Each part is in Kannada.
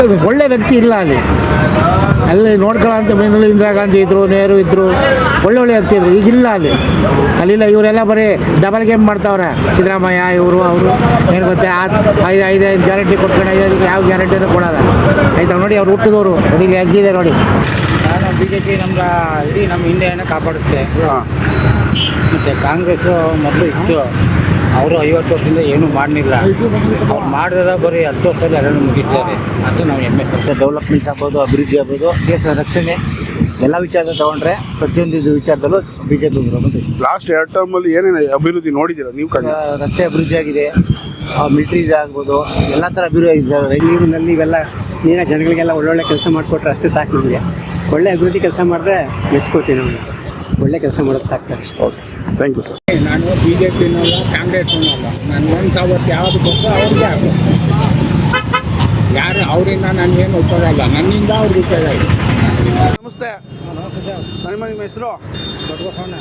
ಒಳ್ಳೆ ವ್ಯಕ್ತಿ ಇಲ್ಲ ಅಲ್ಲಿ ನೋಡ್ಕೊಳ್ಳೋಂಥ ಬಂದಲ್ಲಿ ಇಂದಿರಾ ಗಾಂಧಿ ಇದ್ದರು, ನೆಹರು ಇದ್ದರು, ಒಳ್ಳೆ ವ್ಯಕ್ತಿ ಇದ್ರು. ಈಗಿಲ್ಲ ಅಲ್ಲಿಲ್ಲ. ಇವರೆಲ್ಲ ಬರೀ ಡಬಲ್ ಗೇಮ್ ಮಾಡ್ತಾವ್ರೆ. ಸಿದ್ದರಾಮಯ್ಯ ಅವರು ಏನು ಗೊತ್ತಾ, ಐದು ಗ್ಯಾರಂಟಿ ಕೊಟ್ಕೊಂಡು ಯಾವ ಗ್ಯಾರಂಟಿನೂ ಕೊಡೋಲ್ಲ. ಆಯ್ತಾ ನೋಡಿ, ಅವ್ರು ಹುಟ್ಟಿದವರು ನೋಡಿ, ಇಲ್ಲಿ ಅಜ್ಜಿದೆ ನೋಡಿ. BJP ಇಡೀ ನಮ್ಮ ಇಂಡಿಯಾನ ಕಾಪಾಡುತ್ತೆ. ಮತ್ತು ಕಾಂಗ್ರೆಸ್ಸು ಮೊದಲು ಇತ್ತು, ಅವರು 50 ವರ್ಷದಿಂದ ಏನೂ ಮಾಡಲಿಲ್ಲ. ಅವ್ರು ಮಾಡಿದ್ರೆ ಬರೀ 10 ವರ್ಷದಲ್ಲಿ ಎಲ್ಲರೂ ಮುಗಿದ್ದಾರೆ. ಅದು ನಾವು ಹೆಮ್ಮೆ. ಡೆವಲಪ್ಮೆಂಟ್ಸ್ ಆಗ್ಬೋದು, ಅಭಿವೃದ್ಧಿ ಆಗ್ಬೋದು, ದೇಶದ ರಕ್ಷಣೆ ಎಲ್ಲ ವಿಚಾರ ತಗೊಂಡ್ರೆ ಪ್ರತಿಯೊಂದು ವಿಚಾರದಲ್ಲೂ BJP ಬರೋದು. ಲಾಸ್ಟ್ 2 ಟರ್ಮಲ್ಲಿ ಏನೇನು ಅಭಿವೃದ್ಧಿ ನೋಡಿದ್ದೀರಾ ನೀವು? ರಸ್ತೆ ಅಭಿವೃದ್ಧಿ ಆಗಿದೆ, ಮಿಲಿಟರಿ ಆಗ್ಬೋದು, ಎಲ್ಲ ಥರ ಅಭಿವೃದ್ಧಿ ಆಗಿದೆ ಸರ್. ನೀರಿನಲ್ಲಿ ಇವೆಲ್ಲ ನೀರಿನ ಜನಗಳಿಗೆಲ್ಲ ಒಳ್ಳೊಳ್ಳೆ ಕೆಲಸ ಮಾಡಿಕೊಟ್ರೆ ಅಷ್ಟೇ ಸಾಕು ನಮಗೆ. ಒಳ್ಳೆ ಅಭಿವೃದ್ಧಿ ಕೆಲಸ ಮಾಡಿದ್ರೆ ಮೆಚ್ಕೋತೀವಿ. ನಮಗೆ ಒಳ್ಳೆ ಕೆಲಸ ಮಾಡೋದು ಸಾಕ್ತಾರೆ. Okay, thank you sir. ನಾನು BJPನಲ್ಲ, ಕಾಂಗ್ರೆಸ್ನಲ್ಲ. ನಾನು ಒಂದು ಅವತ್ತು ಯಾವುದು ಕೊಟ್ಟು ಅವ್ರಿಗೆ ಆಗಬೇಕು. ಯಾರು ಅವರಿಂದ ನನಗೇನು ಉಪಯೋಗ ಇಲ್ಲ, ನನ್ನಿಂದ ಅವ್ರಿಗೆ ಉಪಯೋಗ ಇದೆ. ನಮಸ್ತೆ. ನಿಮ್ಮ ಹೆಸರು? ದೊಡ್ಡ ಬಸವಣ್ಣ.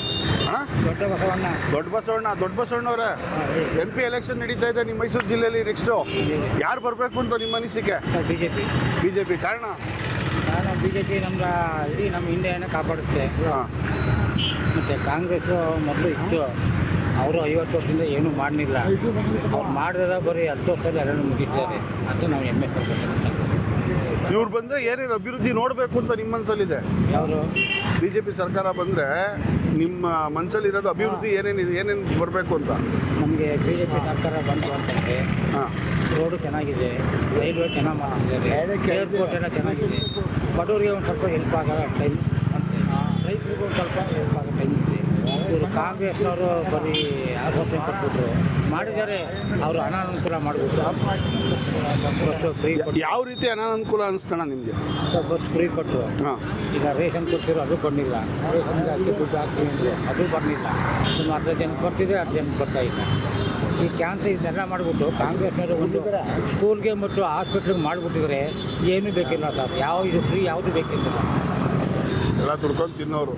ದೊಡ್ಡ ಬಸವಣ್ಣವ್ರೆ, MP ಎಲೆಕ್ಷನ್ ನಡೀತಾ ಇದೆ ನಿಮ್ಮ ಮೈಸೂರು ಜಿಲ್ಲೆಯಲ್ಲಿ. ನೆಕ್ಸ್ಟು ಯಾರು ಬರಬೇಕು ಅಂತ ನಿಮ್ಮ ಅನಿಸಿಕೆ? BJP. ಕಾರಣ BJP ಇಡೀ ನಮ್ಮ ಇಂಡಿಯಾನ ಕಾಪಾಡುತ್ತೆ. ಮತ್ತು ಕಾಂಗ್ರೆಸ್ಸು ಮೊದಲು ಇತ್ತು, ಅವರು 50 ವರ್ಷದಿಂದ ಏನೂ ಮಾಡಲಿಲ್ಲ. ಅವ್ರು ಮಾಡಿದ್ರೆ ಬರೀ 10 ವರ್ಷದಲ್ಲಿ ಎಲ್ಲರೂ ಮುಗಿದ್ದಾರೆ. ಅದು ನಾವು ಹೆಮ್ಮೆ ಪಡ್ಬೇಕು. ಇವ್ರು ಬಂದರೆ ಏನೇನು ಅಭಿವೃದ್ಧಿ ನೋಡಬೇಕು ಅಂತ ನಿಮ್ಮ ಮನಸ್ಸಲ್ಲಿದೆ? ಯಾರು BJP ಸರ್ಕಾರ ಬಂದರೆ ನಿಮ್ಮ ಮನಸ್ಸಲ್ಲಿರೋದು ಅಭಿವೃದ್ಧಿ ಏನೇನು ಬರಬೇಕು ಅಂತ? ನಮಗೆ BJP ಸರ್ಕಾರ ಬಂತು ಅಂತಂದರೆ ರೋಡು ಚೆನ್ನಾಗಿದೆ, ರೈಲ್ವೆ ಚೆನ್ನಾಗಿ ಮಾಡ್ತಿದ್ದಾರೆ, ಏರ್ಪೋರ್ಟ್ ಎಲ್ಲ ಚೆನ್ನಾಗಿದೆ. ಬಡವರಿಗೆ ಒಂದು ಸ್ವಲ್ಪ ಹೆಲ್ಪ್ ಆಗೋ ಟೈಮ್ ಅಂತೆ, ರೈತರಿಗೂ ಒಂದು ಸ್ವಲ್ಪ ಹೆಲ್ಪ್ ಆಗೋ ಟೈಮ್ ಇದೆ. ಇವರು ಕಾಂಗ್ರೆಸ್ನವರು ಬರೀ 6 ವರ್ಷ ಕೊಟ್ಬಿಟ್ರು ಮಾಡಿದ್ದಾರೆ. ಅವರು ಅನಾನುಕೂಲ ಮಾಡಿಬಿಟ್ರು. ಬಸ್ ಫ್ರೀ ಕೊಟ್ಟು. ಯಾವ ರೀತಿ ಅನಾನುಕೂಲ ಅನಿಸ್ತಣ ನಿಮಗೆ? ಬಸ್ ಫ್ರೀ ಕೊಟ್ಟರು. ಈಗ ರೇಷನ್ ಕೊಡ್ತಿರೋ ಅದು ಬಂದಿಲ್ಲ. ರೇಷನ್ಗೆ ಅಕ್ಕಿ ದುಡ್ಡು ಹಾಕ್ತೀವಿ ಅಂದರು, ಅದು ಬರಲಿಲ್ಲ. ಸುಮಾರು 10 ಜನಕ್ಕೆ ಬರ್ತಿದೆ, 10 ಜನಕ್ಕೆ ಬರ್ತಾ ಇಲ್ಲ. ಈ ಕ್ಯಾನ್ಸರ್ ಇದೆಲ್ಲ ಮಾಡಿಬಿಟ್ಟು ಕಾಂಗ್ರೆಸ್ನವರು ಒಂದು ಸ್ಕೂಲ್ಗೆ ಮತ್ತು ಹಾಸ್ಪಿಟ್ಲಿಗೆ ಮಾಡಿಬಿಟ್ಟಿದ್ರೆ ಏನೂ ಬೇಕಿಲ್ಲ ಸರ್. ಇದು ಫ್ರೀ ಯಾವುದು ಬೇಕಿಲ್ಲ. ಎಲ್ಲ ದುಡ್ಕೊಂಡು ತಿನ್ನೋರು.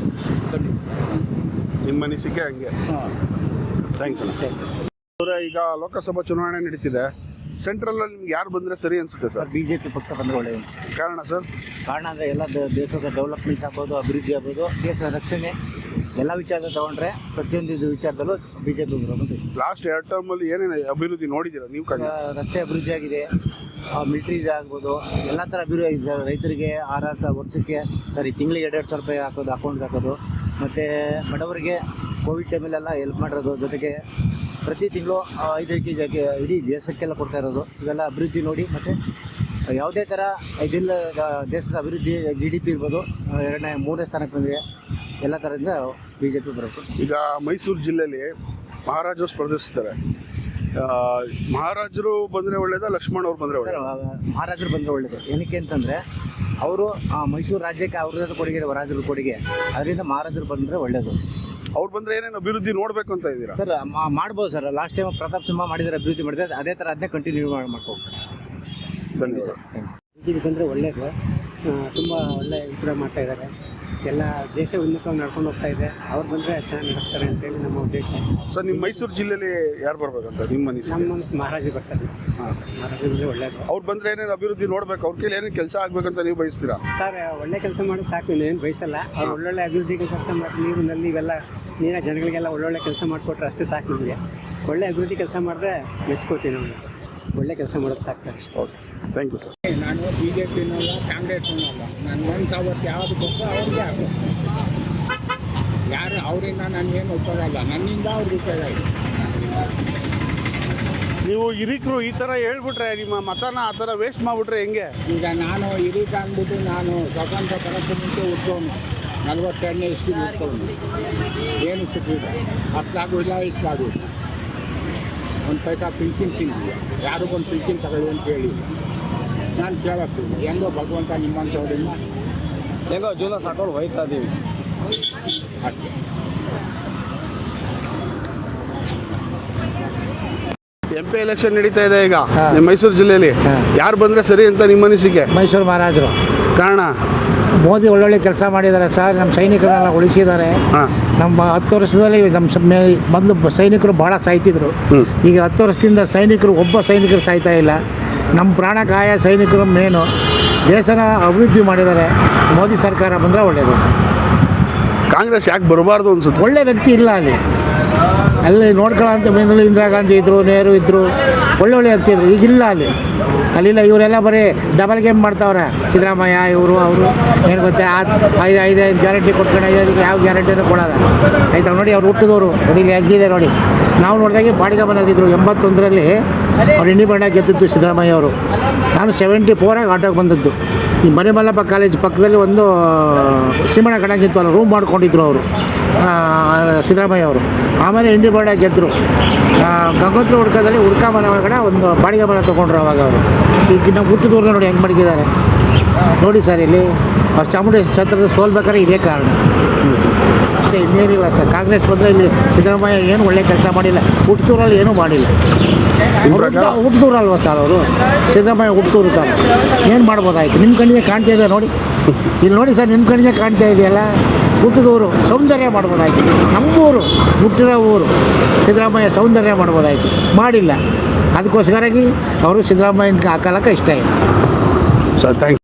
ನಿಮ್ಮ ಅನಿಸಿಕೆ ಹಂಗೆ? ಥ್ಯಾಂಕ್ಸ್ ಅಣ್ಣ. ಈಗ ಲೋಕಸಭಾ ಚುನಾವಣೆ ನಡೀತಿದೆ. ಸೆಂಟ್ರಲಲ್ಲಿ ನಿಮ್ಗೆ ಯಾರು ಬಂದರೆ ಸರಿ ಅನಿಸುತ್ತೆ ಸರ್? BJP ಪಕ್ಷ ಬಂದರೆ ಒಳ್ಳೆಯದು. ಕಾರಣ ಸರ್? ಕಾರಣ ಅಂದರೆ ಎಲ್ಲ ದೇಶದ ಡೆವಲಪ್ಮೆಂಟ್ಸ್ ಆಗ್ಬೋದು, ಅಭಿವೃದ್ಧಿ ಆಗ್ಬೋದು, ದೇಶದ ರಕ್ಷಣೆ ಎಲ್ಲ ವಿಚಾರ ತಗೊಂಡ್ರೆ ಪ್ರತಿಯೊಂದು ವಿಚಾರದಲ್ಲೂ BJP ಬರೋದು. ಲಾಸ್ಟ್ 2 ಟರ್ಮಲ್ಲಿ ಏನೇನು ಅಭಿವೃದ್ಧಿ ನೋಡಿದ್ದೀರಾ ನೀವು? ರಸ್ತೆ ಅಭಿವೃದ್ಧಿ ಆಗಿದೆ, ಮಿಲಿಟರಿ ಆಗ್ಬೋದು, ಎಲ್ಲ ಥರ ಅಭಿವೃದ್ಧಿ ಆಗಿದೆ ಸರ್. ರೈತರಿಗೆ 6,000 ವರ್ಷಕ್ಕೆ ತಿಂಗಳಿಗೆ 2,000 ರೂಪಾಯಿ ಹಾಕೋದು, ಅಕೌಂಟ್ಗೆ ಹಾಕೋದು. ಮತ್ತು ಬಡವರಿಗೆ ಕೋವಿಡ್ ಟೈಮಲ್ಲೆಲ್ಲ ಹೆಲ್ಪ್ ಮಾಡಿರೋದು. ಜೊತೆಗೆ ಪ್ರತಿ ತಿಂಗಳು 5 ಕೆಜಿ ಇಡೀ ದೇಶಕ್ಕೆಲ್ಲ ಕೊಡ್ತಾ ಇರೋದು. ಇವೆಲ್ಲ ಅಭಿವೃದ್ಧಿ ನೋಡಿ. ಮತ್ತು ಯಾವುದೇ ಥರ ಇದಿಲ್ಲ, ದೇಶದ ಅಭಿವೃದ್ಧಿ GDP ಇರ್ಬೋದು 2ನೇ 3ನೇ ಸ್ಥಾನಕ್ಕೆ ಬಂದಿದೆ. ಎಲ್ಲ ಥರದಿಂದ BJP ಬರಬೇಕು. ಈಗ ಮೈಸೂರು ಜಿಲ್ಲೆಯಲ್ಲಿ ಮಹಾರಾಜರು ಸ್ಪರ್ಧಿಸ್ತಾರೆ. ಮಹಾರಾಜರು ಬಂದರೆ ಒಳ್ಳೇದಾ, ಲಕ್ಷ್ಮಣ್ ಅವ್ರು ಬಂದರೆ ಒಳ್ಳೇದು? ಮಹಾರಾಜರು ಬಂದರೆ ಒಳ್ಳೇದು. ಏನಕ್ಕೆ ಅಂತಂದರೆ ಅವರು ಮೈಸೂರು ರಾಜ್ಯಕ್ಕೆ ಅವ್ರದ್ದು ಕೊಡುಗೆ ಇದೆ, ರಾಜರ ಕೊಡುಗೆ. ಅದರಿಂದ ಮಹಾರಾಜರು ಬಂದರೆ ಒಳ್ಳೇದು. ಅವ್ರು ಬಂದರೆ ಏನೇನು ಅಭಿವೃದ್ಧಿ ನೋಡಬೇಕು ಅಂತ ಇದ್ದೀರಾ ಸರ್? ಮಾಡ್ಬೋದು sir. Last time Pratap Simha ಮಾಡಿದರೆ ಅಭಿವೃದ್ಧಿ ಮಾಡಿದ್ರೆ ಅದೇ ಥರ ಅದನ್ನೇ ಕಂಟಿನ್ಯೂ ಮಾಡ್ಕೋಬೇಕು. ಧನ್ಯವಾದ. BJP ಬಂದರೆ ಒಳ್ಳೆಯದು. ತುಂಬ ಒಳ್ಳೆ ಇಂಪ್ರೂವ್ ಮಾಡ್ತಾ ಇದ್ದಾರೆ. ಎಲ್ಲ ದೇಶ ಉನ್ನತವಾಗಿ ನಡ್ಕೊಂಡು ಹೋಗ್ತಾ ಇದೆ. ಅವ್ರು ಬಂದರೆ ಚೆನ್ನಾಗಿ ನಡೆಸ್ತಾರೆ ಅಂತೇಳಿ ನಮ್ಮ ಉದ್ದೇಶ. ಸರ್, ನಿಮ್ಮ ಮೈಸೂರು ಜಿಲ್ಲೆಯಲ್ಲಿ ಯಾರು ಬರ್ಬೇಕಂತ ನಿಮ್ಮ ಅನಿಸಿಕೆ? ನಮ್ಮ ಮಹಾರಾಜರು ಬರ್ತಾರೆ. ಮಹಾರಾಜರು ಬಂದರೆ ಒಳ್ಳೆಯದು. ಅವ್ರು ಬಂದರೆ ಏನೇನು ಅಭಿವೃದ್ಧಿ ನೋಡಬೇಕು, ಅವ್ರ ಕೈಲಿ ಏನೇನು ಕೆಲಸ ಆಗಬೇಕಂತ ನೀವು ಬಯಸ್ತೀರಾ? ಸರ್, ಒಳ್ಳೆ ಕೆಲಸ ಮಾಡಿ ಸಾಕು, ಏನು ಬಯಸಲ್ಲ. ಅವ್ರು ಒಳ್ಳೊಳ್ಳೆ ಅಭಿವೃದ್ಧಿ ಕೆಲಸ ಮಾಡಿ ನೀರಿನಲ್ಲಿ ಇವೆಲ್ಲ ನೀರಿನ ಜನಗಳಿಗೆಲ್ಲ ಒಳ್ಳೊಳ್ಳೆ ಕೆಲಸ ಮಾಡಿಕೊಟ್ರೆ ಅಷ್ಟೇ ಸಾಕು ನಮಗೆ. ಒಳ್ಳೆ ಅಭಿವೃದ್ಧಿ ಕೆಲಸ ಮಾಡಿದ್ರೆ ಮೆಚ್ಕೋತೀವಿ. ನಮಗೆ ಒಳ್ಳೆ ಕೆಲಸ ಮಾಡೋದು ಸಾಕ್ತಾರೆ. Okay, thank you sir. ನಾನು BJPನಲ್ಲ, ಕಾಂಗ್ರೆಸ್ನಲ್ಲ. ನಾನು ಒಂದು ಅವತ್ತು ಯಾವುದು ಕೊಟ್ಟು ಅವ್ರಿಗೆ ಆಗಬೇಕು. ಯಾರು ಅವರಿಂದ ನನಗೇನು ಉಪಯೋಗ ಇಲ್ಲ, ನನ್ನಿಂದ ಅವ್ರಿಗೆ ಉಪಯೋಗ ಇದೆ. ನೀವು ಹಿರಿಕರು ಈ ಥರ ಹೇಳ್ಬಿಟ್ರೆ, ನಿಮ್ಮ ಮತನ ಆ ಥರ ವೇಸ್ಟ್ ಮಾಡಿಬಿಟ್ರೆ ಹೆಂಗೆ? ಈಗ ನಾನು ಹಿರೀಕ ಅಂದ್ಬಿಟ್ಟು ನಾನು ಸ್ವತಂತ್ರ ಬರೋಕ್ಕೆ ಮುಂಚೆ ಹುಟ್ಟೋನು, 42ನೇ ಇಸ್ವಿ ಹುಟ್ಟೋನು. ಏನು ಸಿಕ್ಕಿದೆ? ಅಷ್ಟಾಗೋದಿಲ್ಲ, ಇಷ್ಟಾಗೋದಿಲ್ಲ. ಒಂದು ಪೈಸಾ ಪಿಂಚಿನ್ ತಿಂದಿಲ್ಲ, ಯಾರಿಗೊಂದು ಪಿಂಚಿನ್ ತಗೊಳ್ಳಿ ಅಂತ ಹೇಳಿ ನಾನು ಕೇಳಕ್ಕೆ ಹೆಂಗೋ ಭಗವಂತ ನಿಮ್ಮಂಥವ್ರಿಂದ ಹೇಗೋ ಜೀವನ ಸಾಕೊಂಡು ಹೋಯ್ತಾ ಇದ್ದೀವಿ ಅಷ್ಟೇ. MP ಎಲೆಕ್ಷನ್ ನಡೀತಾ ಇದೆ ಈಗ ಹಾ. ನಿಮ್ಮ ಮೈಸೂರು ಜಿಲ್ಲೆಯಲ್ಲಿ ಯಾರು ಬಂದರೆ ಸರಿ ಅಂತ ನಿಮ್ಮ ಅನಿಸಿಕೆ? ಮೈಸೂರು ಮಹಾರಾಜರು. ಕಾರಣ? ಮೋದಿ ಒಳ್ಳೊಳ್ಳೆ ಕೆಲಸ ಮಾಡಿದ್ದಾರೆ ಸರ್. ನಮ್ಮ ಸೈನಿಕರನ್ನೆಲ್ಲ ಉಳಿಸಿದ್ದಾರೆ. ಹಾಂ. ನಮ್ಮ 10 ವರ್ಷದಲ್ಲಿ ನಮ್ಮ ಮೊದಲು ಸೈನಿಕರು ಭಾಳ ಸಾಯ್ತಿದ್ರು. ಈಗ 10 ವರ್ಷದಿಂದ ಒಬ್ಬ ಸೈನಿಕರು ಸಾಯ್ತಾ ಇಲ್ಲ. ನಮ್ಮ ಪ್ರಾಣ ಕಾಯ ಸೈನಿಕರು ಮೇನು. ದೇಶನ ಅಭಿವೃದ್ಧಿ ಮಾಡಿದ್ದಾರೆ. ಮೋದಿ ಸರ್ಕಾರ ಬಂದರೆ ಒಳ್ಳೆಯದು ಸರ್. ಕಾಂಗ್ರೆಸ್ ಯಾಕೆ ಬರಬಾರ್ದು ಅನ್ಸುತ್ತೆ? ಒಳ್ಳೆ ವ್ಯಕ್ತಿ ಇಲ್ಲ ಅಲ್ಲಿ ನೋಡ್ಕೊಳ್ಳೋಂಥ ಬಂದಲ್ಲಿ ಇಂದಿರಾ ಗಾಂಧಿ ಇದ್ದರು, ನೆಹರು ಇದ್ದರು, ಒಳ್ಳೊಳ್ಳೆ ವ್ಯಕ್ತಿ ಇದ್ರು. ಈಗಿಲ್ಲ ಅಲ್ಲಿಲ್ಲ. ಇವರೆಲ್ಲ ಬರೀ ಡಬಲ್ ಗೇಮ್ ಮಾಡ್ತಾವ್ರೆ. ಸಿದ್ದರಾಮಯ್ಯ ಇವರು ಅವರು ಏನು ಗೊತ್ತಾ, 5 ಗ್ಯಾರಂಟಿ ಕೊಟ್ಕೊಂಡು ಇದಕ್ಕೆ ಯಾವ ಗ್ಯಾರಂಟಿನೂ ಕೊಡೋಲ್ಲ. ಆಯ್ತಾ ನೋಡಿ, ಅವ್ರು ಹುಟ್ಟಿದವರು ನೋಡಿ, ಇಲ್ಲಿ ಅಗ್ಗಿದೆ ನೋಡಿ. ನಾವು ನೋಡಿದಾಗೆ ಬಾಡಿಗೆ ಮನೇಲಿದ್ದರು. 81ರಲ್ಲಿ ಅವ್ರು ಇಂಡಿಪೆಂಡೆಂಟ್ ಗೆದ್ದಿದ್ದು ಸಿದ್ದರಾಮಯ್ಯ ಅವರು. ನಾನು 74 ಆಟೋಗೆ ಬಂದದ್ದು. ಈ ಮರಿಮಲ್ಲಪ್ಪ ಕಾಲೇಜ್ ಪಕ್ಕದಲ್ಲಿ ಒಂದು ಸೀಮಣ್ಣ ಕಣಕ್ಕಿತ್ತು, ಅಲ್ಲಿ ರೂಮ್ ಮಾಡ್ಕೊಂಡಿದ್ರು ಅವರು, ಸಿದ್ದರಾಮಯ್ಯ ಅವರು. ಆಮೇಲೆ ಇಂಡಿಪೆಂಡೆಂಟ್ ಗೆದ್ದರು. ಗಂಗೋತ್ರಿ ಹುಡ್ಕದಲ್ಲಿ ಹುಡ್ಕ ಮನೆ ಒಳಗಡೆ ಒಂದು ಬಾಡಿಗೆ ಮನೆ ತೊಗೊಂಡ್ರು ಅವಾಗ ಅವರು. ಈಗ ನಾವು ಹುಟ್ಟಿದವ್ರನ್ನ ನೋಡಿ ಹೆಂಗೆ ಮಡಗಿದ್ದಾರೆ ನೋಡಿ ಸರ್. ಇಲ್ಲಿ ಅವ್ರು ಚಾಮುಂಡೇಶ್ವರಿ ಕ್ಷೇತ್ರದ ಸೋಲ್ಬೇಕಾದ್ರೆ ಇದೇ ಕಾರಣ ಅಷ್ಟೇ, ಇನ್ನೇನಿಲ್ಲ ಸರ್. ಕಾಂಗ್ರೆಸ್ ಬಂದರೆ ಇಲ್ಲಿ ಸಿದ್ದರಾಮಯ್ಯ ಏನು ಒಳ್ಳೆ ಕೆಲಸ ಮಾಡಿಲ್ಲ. ಹುಟ್ಟಿದೂರಲ್ಲಿ ಏನೂ ಮಾಡಿಲ್ಲ. ಹುಟ್ಟಿದೂರಲ್ವ ಸರ್ ಅವರು? ಸಿದ್ದರಾಮಯ್ಯ ಹುಟ್ಟಿದೂರು ಸರ್. ಏನು ಮಾಡ್ಬೋದಾಯ್ತು? ನಿಮ್ಮ ಕಣ್ಣಿಗೆ ಕಾಣ್ತಾ ಇದೆ ನೋಡಿ, ಇಲ್ಲಿ ನೋಡಿ ಸರ್, ನಿಮ್ಮ ಕಣ್ಣಿಗೆ ಕಾಣ್ತಾ ಇದೆಯಲ್ಲ. ಹುಟ್ಟಿದೂರು ಸೌಂದರ್ಯ ಮಾಡ್ಬೋದಾಯ್ತು. ನಮ್ಮೂರು ಹುಟ್ಟಿರೋ ಊರು ಸಿದ್ದರಾಮಯ್ಯ ಸೌಂದರ್ಯ ಮಾಡ್ಬೋದಾಯ್ತು, ಮಾಡಿಲ್ಲ. ಅದಕ್ಕೋಸ್ಕರಾಗಿ ಅವರು ಸಿದ್ದರಾಮಯ್ಯನ ಹಾಕಲಕ್ಕೆ ಇಷ್ಟ ಇಲ್ಲ ಸರ್. Thank you.